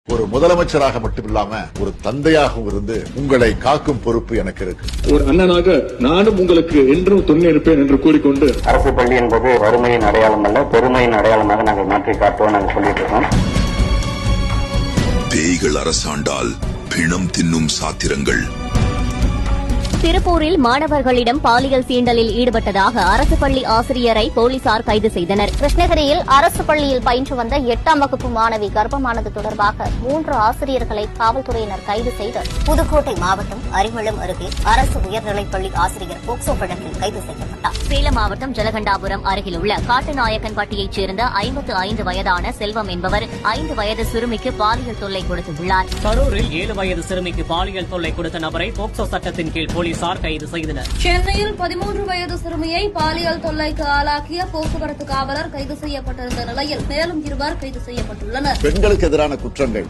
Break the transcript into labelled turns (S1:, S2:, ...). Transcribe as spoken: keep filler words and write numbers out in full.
S1: ஒரு முதலமைச்சராக மட்டுமில்லாம ஒரு தந்தையாகவும் இருந்து உங்களை காக்கும் பொறுப்பு எனக்கு இருக்கு.
S2: ஒரு அண்ணனாக நானும் உங்களுக்கு என்றும் துணை இருப்பேன் என்று கூறிக்கொண்டு,
S3: அரசு பள்ளி என்பது வறுமையின் அடையாளம் அல்ல, பெருமையின் அடையாளமாக நாங்கள் மாற்றி காட்டுவோம் நாங்கள் சொல்லிட்டு இருக்கோம்.
S4: பேய்கள் அரசாண்டால் பிணம் தின்னும் சாத்திரங்கள்.
S5: திருப்பூரில் மாணவர்களிடம் பாலியல் சீண்டலில் ஈடுபட்டதாக அரசு பள்ளி ஆசிரியரை போலீசார் கைது செய்தனர்.
S6: கிருஷ்ணகிரியில் அரசு பள்ளியில் பயின்று வந்த எட்டாம் வகுப்பு மாணவி கர்ப்பமானது தொடர்பாக மூன்று ஆசிரியர்களை காவல்துறையினர் கைது செய்து புதுக்கோட்டை மாவட்டம் அரிமளம் அருகே அரசு உயர்நிலைப்பள்ளி ஆசிரியர் போக்சோ வழக்கில் கைது செய்யப்பட்டார்.
S5: சேலம் மாவட்டம் ஜலகண்டாபுரம் அருகில் உள்ள காட்டுநாயக்கன்பட்டியைச் சேர்ந்த ஐம்பத்து ஐந்து வயதான செல்வம் என்பவர் ஐந்து வயது சிறுமிக்கு பாலியல் தொல்லை கொடுத்துள்ளார்.
S7: கரூரில் ஏழு வயது சிறுமிக்கு பாலியல் தொல்லை கொடுத்த நபரை போக்சோ சட்டத்தின் கீழ் போலீசார் கைது செய்தனர்.
S8: சென்னையில் பதிமூன்று வயது சிறுமியை பாலியல் தொல்லைக்கு ஆளாக்கிய போக்குவரத்து காவலர் கைது செய்யப்பட்டிருந்த நிலையில் மேலும் இருவர் கைது செய்யப்பட்டுள்ளனர்.
S1: பெண்களுக்கு எதிரான குற்றங்கள்